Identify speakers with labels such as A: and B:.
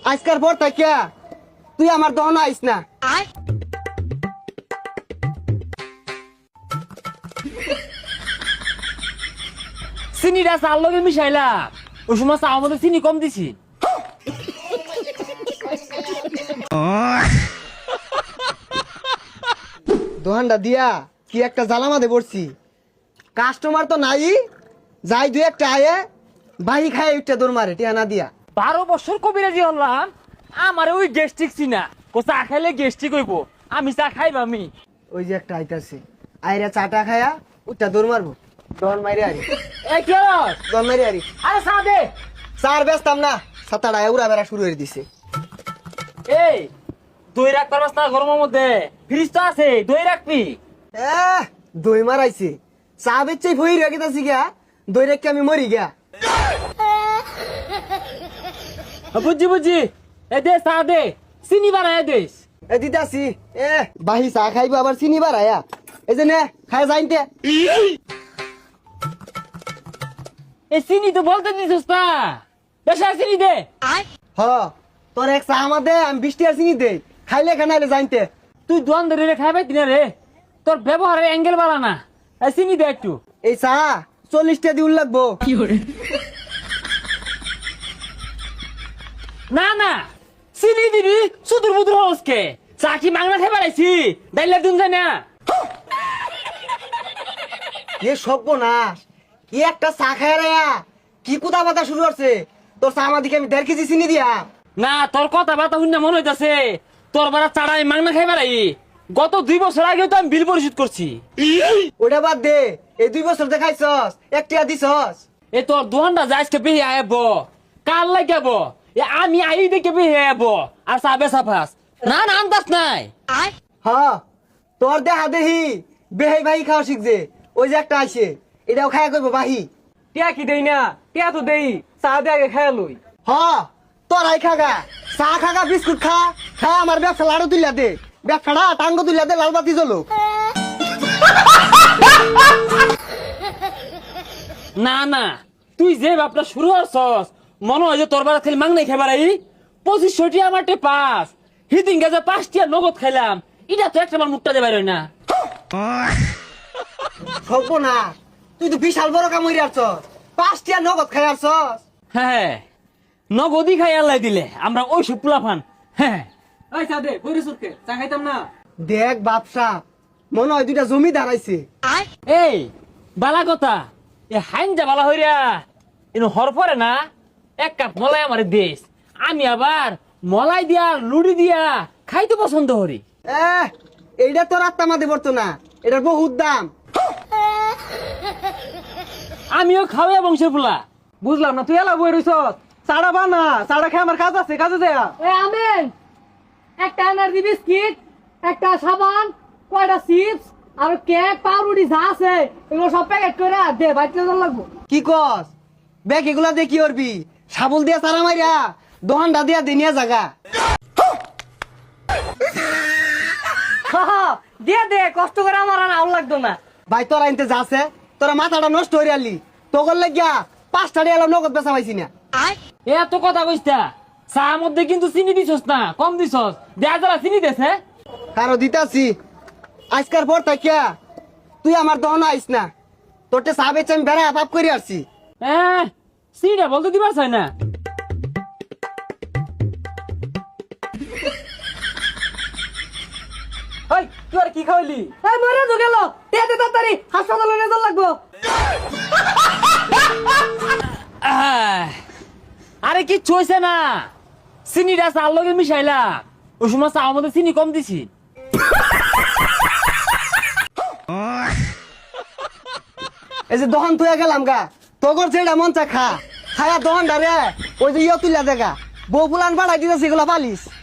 A: আজকার পর থেকে তুই আমার দহন আইস না।
B: চিনিটা চার লগে মিশাইলা ওই সময় চা আমাদের চিনি কম দিছি।
A: দোহানটা দিয়া কি একটা জ্বালামাতে পড়ছি। কাস্টমার তো নাই, যাই দুই একটা আয়ে বাহি খায় উঠটা দৌড় মারে টিয়া না দিয়া।
B: 12 বছর কবিরাজি হলাম, আমার ওই গ্যাস্ট্রিক চিনা ও চা খাইলে গ্যাস্ট্রিক হইব, আমি চা খাইব আমি।
A: ওই যে একটা আইতাছে, আইরা চাটা খায়া উঠটা দৌড় মারবো, দহন মাইরে আরি
B: এই কি হস?
A: দহন মাইরে আরি।
B: আরে চা দে।
A: চার ব্যস্তাম না, সাতাটা উড়া বেড়া শুরু হয়ে দিছে।
B: এই দই রাখতে পারস না গরমের মধ্যে? ফ্রিজ তো আছে, দই রাখবি।
A: দই মারাইছে, চা বেচে ভই রেখেছি গা, দই রেখে আমি মরি গা।
B: বুঝছি বুঝছি, এ দে চা দে, চিনি বানায় দেস।
A: এ দিতাছি, বাহি চা খাইবো আবার চিনি বাড়ায়া। এই যে নে খায় যাইতে।
B: এই চিনি তো বলতে দিছিস না, বেশা চিনি দে।
A: হ তোর এক চা আমার দে, আমি 20 টাকা চিনি দেই, খাইলে খানাইলে জানতে।
B: তুই দোয়ান ধরে খাইবে দিনা রে, তোর ব্যবহারের অ্যাঙ্গেল বাড়া না। এই চিনি দে একটু।
A: এই চা 40 টাকা দিউল লাগবো।
B: না না চিনি দিবি, সুদূর বুদুর হসকে চা কি মাংনা খাই বাড়াইছি, ডাইলা দিন যায় না।
A: এ সর্বনাশ, কি একটা চা খায় রে, কি কুদা বাতা শুরু করছে। তোর চা আমার দিকে আমি 1.5 কেজি চিনি দিয়া।
B: না তোর কথা বার্তা শুনে মনে হইতাছে তোর বারা চাড়া আমি মাংনা খাই বাড়াই। গত 2 বছর আগেও তো আমি বিল পরিশোধ করছি।
A: ওটা বাদ দে, এই 2 বছর দেখাইছস, 1 টাকা দিছস।
B: এ তোর দোহানটা যাইসকে বেহে আইব, কাল লাগাব, এ আমি আই দেখে বেহে আইব আর চাবে সাফাস। না না আন্দাজ নাই।
A: হ তোর দেহা দেহি বেহাই ভাই খাওয়া শিখছে। ওই যে একটা আছে, এটাও খায়া করবো বাহি।
B: টিয়া কি দেই না, টিয়া তো দেই, চা দে আগে খাই লই।
A: হ তোরাই খাগা, চা খাগা, বিস্কুট খা, খা আমার ব্যবসা লাড়ু তুলিয়া দে, ব্যবসাটা টাঙ্গ তুলিয়া দে, লাল বাতি জ্বলো।
B: না না তুই যে বাপটা শুরু হচ্ছস, মনে হয় যে তোর বারা খালি মাংনাই খাইবার আই। 2500 টি আমার পাস, হিদিন গেছে 5 টিয়া নগদ খাইলাম, এটা তো একটা আমার মুখটা দেবার না।
A: সব না, তুই তো বিশাল বড় কাম হইরে আসছস, 5 টাকা নগদ খাই আসছস।
B: হ্যাঁ নগদই খাই আল্লাহ দিলে আমরা ওই সুপুলা ফান। হ্যাঁ ওই চা দে, বইরে সুরকে চা খাইতাম না।
A: দেখ বাপসা, মনে হয় 2টা জমি দাঁড়াইছে।
B: এই বালা কথা, এ হাইনজা বালা হইরা এনু হর পরে না, 1 কাপ মলাই আমার দেশ, আমি আবার মলাই দিয়া লুড়ি দিয়া খাইতে পছন্দ করি।
A: এইটা তোর আত্মা মাদে পড়তো না, এটার বহুত দাম।
B: আমিও খাওয়া বংশের ফুলা।
C: বুঝলাম না, তুই এলা বই রইছ, চাড়া বানা, চাড়া খেয়ে আমার কাজ আছে, কাজে দেয়া।
D: আমেন, একটা এনার্জি বিস্কিট, একটা সাবান, কয়টা চিপস আর কেক, পাউরুটি যা আছে এগুলো সব প্যাকেট করে দে, বাইতে লাগবো।
A: কি কস ব্যাগ এগুলা দিয়ে কি করবি? সাবল দিয়া সারা মাইরা দোহানটা দিয়া দিনিয়া জাগা।
D: দিয়ে দে, কষ্ট করে আমার আর আউল লাগতো না।
A: ভাই তোরা আনতে যাচ্ছে, তোরা মাথাটা নষ্ট হয়ে আলি, তোর লাগিয়া 5 টাকা এলাম নগদ বেচা পাইছি না।
B: এত কথা কইস্তা, চা মধ্যে কিন্তু চিনি দিছস না, কম দিছস, দেয়া যারা চিনি দেছে।
A: কারো দিতাছি, আজকার পর থাকিয়া তুই আমার দহন আইস না, তোরটে চা বেচে আমি বেড়া পাপ করে আসছি।
B: হ্যাঁ চিনিটা বলতে দিবার চাই না।
C: ওই তুই আর কি খাওয়াইলি?
D: এই মরে তো গেল, দে দে তাড়াতাড়ি, হাসপাতালে নিয়ে যাওয়া লাগবো।
B: আরে কিচ্ছু হয়েছে না, চিনিটা চার লগে মিশাইলা ওই সময় চা মধ্যে চিনি কম দিছি।
A: এই যে দহন তুই গেলাম গা, তোর যেটা মন চা খা, খায়া দহনটা রে ওই যে ইয়ে তুলিয়া দেখা, বউ ফুলান বাড়াই দিতেছি এগুলা পালিস।